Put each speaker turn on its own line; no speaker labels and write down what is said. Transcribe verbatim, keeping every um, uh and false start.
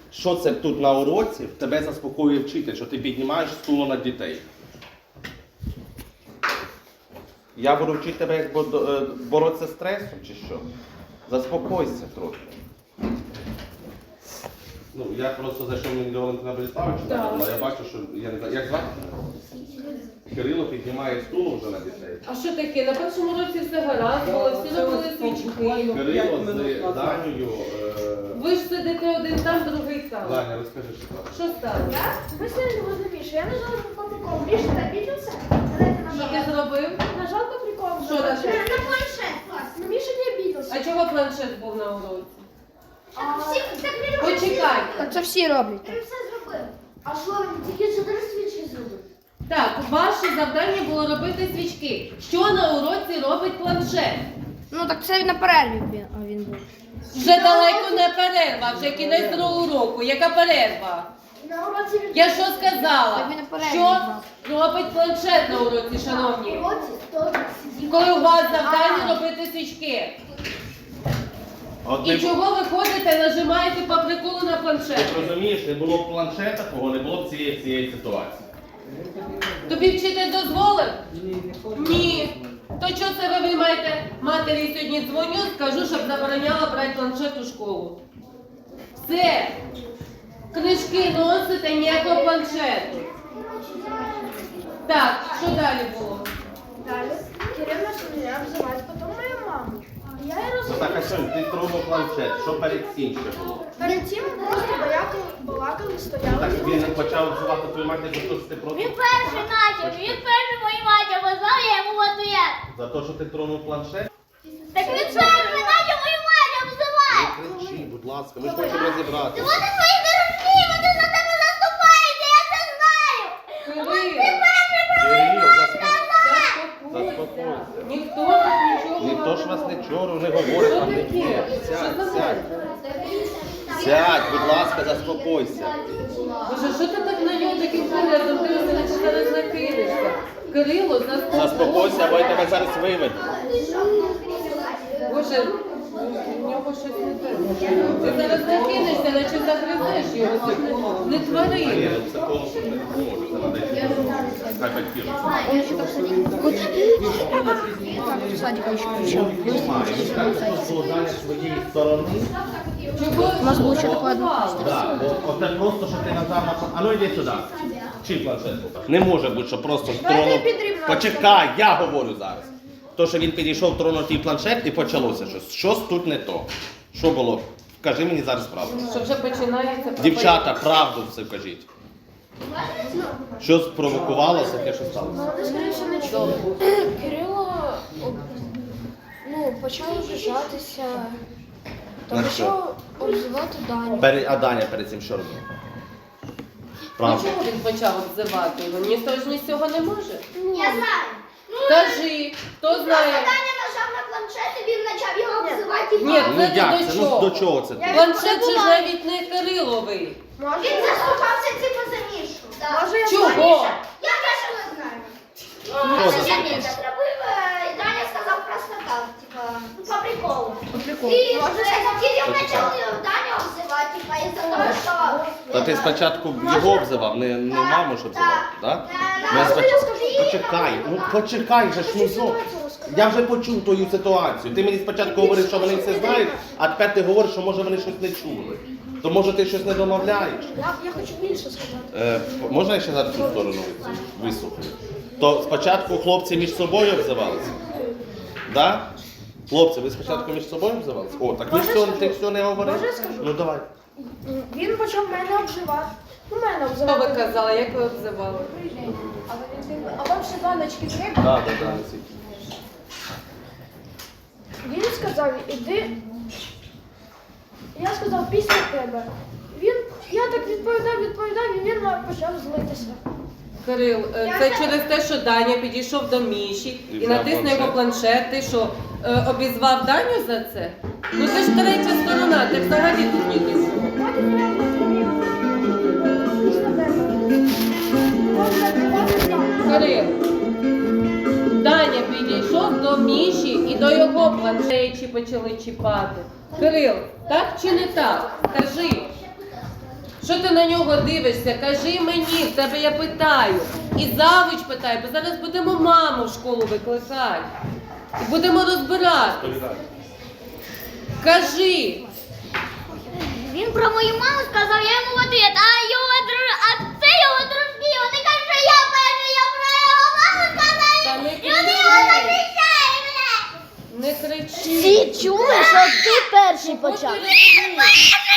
Що це тут на уроці? Тебе заспокоює вчитель, що ти піднімаєш стуло над дітей. Я буду вчити тебе, як боротися з стресом, чи що? Заспокойся трохи. Ну, я просто зайшов мені до Валентина Бориславовича, а я бачу, що, я не знаю, як звати? Кирило піднімає стуло вже на дітей.
А що таке? На першому році все гаразд було, всі робили свічки.
Кирило з Данею...
Ви ж сидите один там, другий там.
Даня, розкажи, що там.
Що сталося?
Я? Ми сиділи возле Міші. Я нажала по приколу. Міша, ти обиделся?
Що ти зробив?
Нажал по приколу.
Що нажав?
На планшет. Но Миша не обиделся.
А чого планшет був на уроці?
Всі, так не роблять.
Почекай.
Так це всі роблять.
Він все зробив. А що він тільки чотири свічки зробив?
Так, ваше завдання було робити свічки. Що на уроці робить планшет?
Ну так це на перерві він, а він був.
Вже далеко не перерва, вже кінець другого року. Яка перерва?
На уроці він...
Я що сказала?
Так він на перерві
Що
був.
робить планшет на уроці, шановні?
На уроці хто сидів?
Коли у вас завдання робити свічки.
Одне...
І чого ви ходите, нажимаєте по приколу на планшет?
Ти розумієш, не було б планшета, кого не було б цієї, цієї ситуації.
Тобі вчитель дозволив? Ні. То чого це ви виймаєте? Матері сьогодні дзвоню, скажу, щоб забороняла брати планшет у школу. Все. Книжки носите, ніякого планшету. Так, що далі було?
Далі. Кирил начал меня обзывать, потом мою маму. Я її
Ну
розумію.
так, а що, ти тронув планшет, що перед цим ще було?
Перед тим просто балакали, балакали,
Ну
стояли.
так він почав вживати твою мать, за те, що ти проти.
Він перший начав, він перший мою мать обозвав, я йому в ответ.
За те, що ти тронув планшет?
Так він перший начав мою мать обзивати.
Не кричи, будь ласка, ми ж хочемо розібрати.
Вони свої дорогі, вони за тебе заступаються, я це знаю.
Кирил,
Кирил, заспокойся.
заспокойся. Ніхто тут нічого
Ніхто ж вас
не
нічого не говорить,
Що
вам не
таке?
вірить.
Що
Сядь,
за
сядь.
мене?
Сядь, будь ласка, заспокойся.
Боже, що ти так на нього таким поглядом дивишся, наче зараз накинешся? Кирило, заспокойся.
Заспокойся, або я тебе зараз виведу.
Боже, в нього щось не те. Ти зараз накинешся, наче загризеш його. Не, не твори.
Ні, ну, психолог не допоможе, це треба йти. Хай батьки
В садіку ще прийшов.
розуміють. Він скаже, що злодання своєї сторони.
Чого?
У нас було ще таке одне.
Да, бо оце просто, що ти назвав на... А ну йди сюди. Чи планшет? Не може бути, що просто тронув... Почекай, я говорю зараз. То, що він підійшов, тронув твій планшет і почалося щось. Щось тут не то. Що було? Кажи мені зараз правду.
Що вже починається?
Дівчата, правду все кажіть. Що спровокувало таке, що сталося?
Вони, скоріше, не чули. Кирило ну, почав обіжатися. Та
На що?
почав обзивати Даню.
Пере- А Даня перед цим що робив?
Ну
Правда.
чого він почав обзивати його? Ніхто ж ні з цього не може.
Я знаю.
Кажи, хто знає?
Даня нажав на планшет і він почав його обзивати.
Ні,
Ну
це
як
не
це?
до
Ну
чого.
до чого це? ти?
Планшет же ж навіть не Кириловий.
Він заступався типу за Мішу.
Може, я
Чого?
Я теж не знаю.
Хто за
Я
це?
Міша зробив, е, Даня сказав просто так, типа, ну по приколу.
по приколу.
І
Може,
Кирил
Почекай.
почав Даню обзивати, типа, із-за того, що...
Та ти спочатку його обзивав, не, не маму ж обзивав, так?
Да,
Ми
да.
споч- Почекай, ну почекай же ж, ну зо. Я вже почув твою ситуацію. Ти мені спочатку говорив, що вони все знають, а тепер ти говориш, що може вони щось не чули. То може ти щось не домовляєш.
Я, я хочу більше сказати.
Е, можна я ще зараз цю сторону вислухаю? То спочатку хлопці між собою обзивалися? Да? Хлопці, ви спочатку між собою обзивалися? О, так ви все, ти все не говорив?
Може, я скажу?
Ну давай.
Він почав мене обзивати. Ну, мене
Що
обзивати.
ви казали, як ви обзивали?
А Валентин, а вам ще баночки треба?
Так, так, так, не сидь.
Він сказав, іди. Я сказав, після тебе. Він, я так відповідав, відповідав, і він почав злитися.
Кирил, е, це через те, що Даня підійшов до Міші
І
і
взяв
натисне його планшет. Ти що, е, обізвав Даню за це? Ну це ж третя сторона, ти взагалі тут ні до чого.
Потім я відповів після тебе. Он закривав там.
Кирил, Даня підійшов до Міші і до його планшеті почали чіпати. Кирил, так чи не так? Кажи. Що ти на нього дивишся? Кажи мені, в тебе я питаю. І завуч питає, бо зараз будемо маму в школу викликати. І будемо розбирати. Кажи.
Він про мою маму сказав, я йому в ответ, а його друж... а це його дружки, вони кажуть, що я перший, я про його маму сказав,
Та не
і вони його
кричи.
захищають, блядь.
Не кричи.
Всі чули, що ти перший
От
почав.
ти не розумієш.